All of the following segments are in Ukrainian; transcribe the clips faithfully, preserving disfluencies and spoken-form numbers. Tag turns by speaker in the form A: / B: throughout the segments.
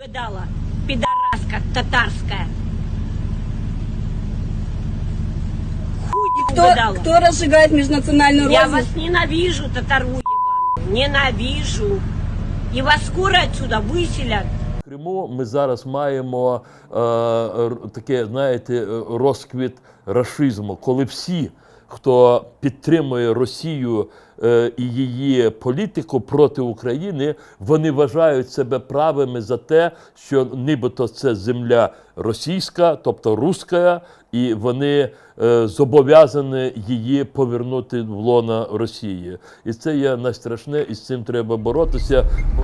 A: видала, пидораска татарская. Хуй
B: Кто,
A: видала.
B: кто разжигает межнациональную
A: Я
B: рознь?
A: вас ненавижу, татару ебаную. Ненавижу. И вас скоро отсюда выселят.
C: В Криму ми зараз маємо е, р- таке, знаєте, розквіт рашизму, коли всі, хто підтримує Росію е, і її політику проти України, вони вважають себе правими за те, що нібито це земля російська, тобто руська, і вони е, зобов'язані її повернути в лоно Росії. І це є найстрашне, і з цим треба боротися.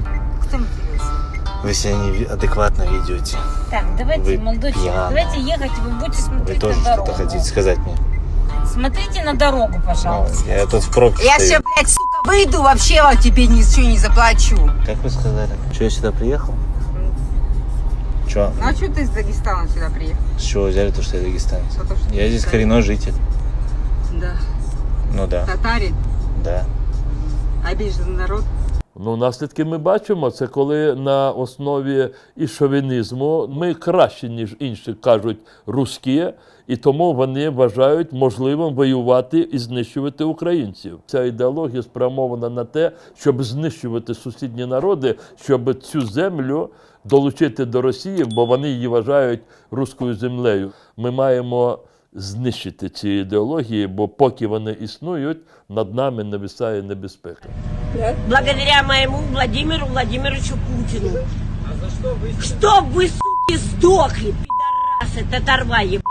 D: Вы себя неадекватно ведете.
E: Так, давайте,
D: Вы
E: молодой человек,
D: пьяны.
E: давайте ехать, вы будете
D: Вы
E: смотреть
D: тоже
E: на дорогу.
D: что-то хотите сказать мне?
E: Смотрите на дорогу,
D: Ну,
E: пожалуйста.
D: я тут в пробке
F: Я
D: стою.
F: сейчас, блядь, сука, выйду, вообще вам тебе ничего не заплачу.
D: Как вы сказали? Что, я сюда приехал? Что?
F: Ну а что ты из Дагестана сюда приехал?
D: С чего взяли то, что я дагестанец?
F: Потому что
D: Я здесь
F: ты
D: коренной житель.
F: Да.
D: Ну да,
F: Татарин,
D: да.
F: обиженный народ.
C: Ну, наслідки ми бачимо, це коли на основі і шовінізму ми краще, ніж інші кажуть, русські, і тому вони вважають можливим воювати і знищувати українців. Ця ідеологія спрямована на те, щоб знищувати сусідні народи, щоб цю землю долучити до Росії, бо вони її вважають руською землею. Ми маємо знищити ці ідеології, бо поки вони існують, над нами нависає небезпека.
A: Благодаря моему Владимиру Владимировичу Путину. А за что вы? Чтоб вы, суки, сдохли, пидорасы, татарва ебаные.